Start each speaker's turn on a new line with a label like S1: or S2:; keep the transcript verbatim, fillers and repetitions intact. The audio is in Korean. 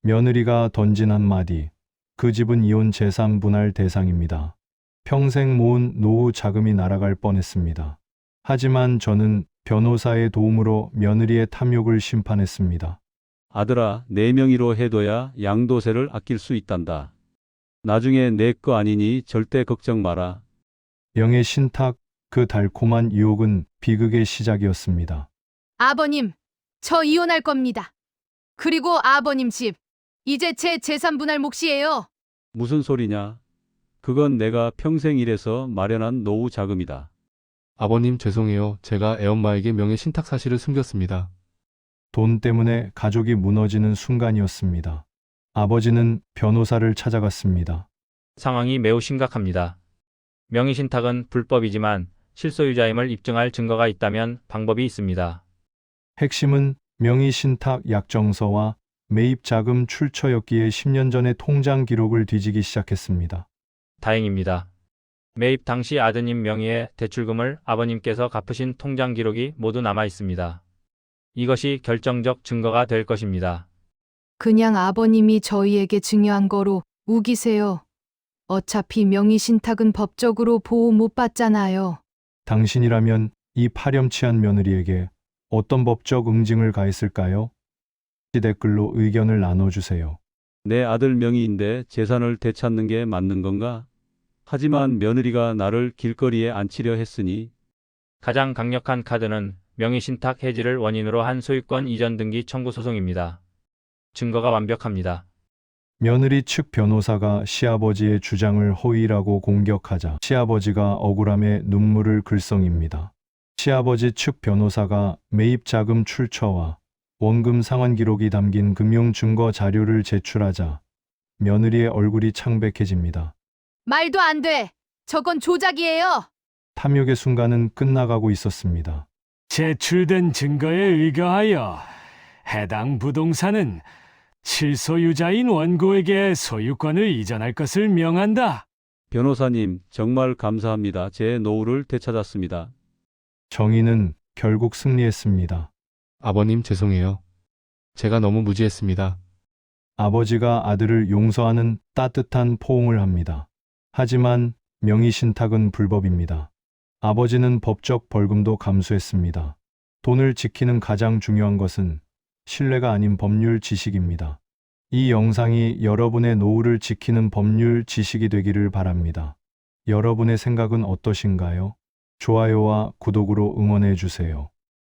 S1: 며느리가 던진 한마디. 그 집은 이혼 재산 분할 대상입니다. 평생 모은 노후 자금이 날아갈 뻔했습니다. 하지만 저는 변호사의 도움으로 며느리의 탐욕을 심판했습니다.
S2: 아들아, 내 명의로 해둬야 양도세를 아낄 수 있단다. 나중에 내 거 아니니 절대 걱정 마라.
S1: 명예 신탁, 그 달콤한 유혹은 비극의 시작이었습니다.
S3: 아버님, 저 이혼할 겁니다. 그리고 아버님 집, 이제 제 재산 분할 몫이에요.
S2: 무슨 소리냐? 그건 내가 평생 일해서 마련한 노후 자금이다.
S4: 아버님 죄송해요. 제가 애엄마에게 명예 신탁 사실을 숨겼습니다.
S1: 돈 때문에 가족이 무너지는 순간이었습니다. 아버지는 변호사를 찾아갔습니다.
S5: 상황이 매우 심각합니다. 명의신탁은 불법이지만 실소유자임을 입증할 증거가 있다면 방법이 있습니다.
S1: 핵심은 명의신탁 약정서와 매입자금 출처였기에 십 년 전의 통장 기록을 뒤지기 시작했습니다.
S5: 다행입니다. 매입 당시 아드님 명의의 대출금을 아버님께서 갚으신 통장 기록이 모두 남아 있습니다. 이것이 결정적 증거가 될 것입니다.
S3: 그냥 아버님이 저희에게 증여한 거로 우기세요. 어차피 명의신탁은 법적으로 보호 못 받잖아요.
S1: 당신이라면 이 파렴치한 며느리에게 어떤 법적 응징을 가했을까요? 댓글로 의견을 나눠주세요.
S2: 내 아들 명의인데 재산을 되찾는 게 맞는 건가? 하지만 며느리가 나를 길거리에 앉히려 했으니
S5: 가장 강력한 카드는 명의신탁 해지를 원인으로 한 소유권 이전 등기 청구 소송입니다. 증거가 완벽합니다.
S1: 며느리 측 변호사가 시아버지의 주장을 허위라고 공격하자 시아버지가 억울함에 눈물을 글썽입니다. 시아버지 측 변호사가 매입 자금 출처와 원금 상환 기록이 담긴 금융 증거 자료를 제출하자 며느리의 얼굴이 창백해집니다.
S3: 말도 안 돼. 저건 조작이에요.
S1: 탐욕의 순간은 끝나가고 있었습니다.
S6: 제출된 증거에 의거하여 해당 부동산은 실소유자인 원고에게 소유권을 이전할 것을 명한다.
S2: 변호사님 정말 감사합니다. 제 노후를 되찾았습니다.
S1: 정의는 결국 승리했습니다.
S4: 아버님 죄송해요. 제가 너무 무지했습니다.
S1: 아버지가 아들을 용서하는 따뜻한 포옹을 합니다. 하지만 명의신탁은 불법입니다. 아버지는 법적 벌금도 감수했습니다. 돈을 지키는 가장 중요한 것은 신뢰가 아닌 법률 지식입니다. 이 영상이 여러분의 노후를 지키는 법률 지식이 되기를 바랍니다. 여러분의 생각은 어떠신가요? 좋아요와 구독으로 응원해 주세요.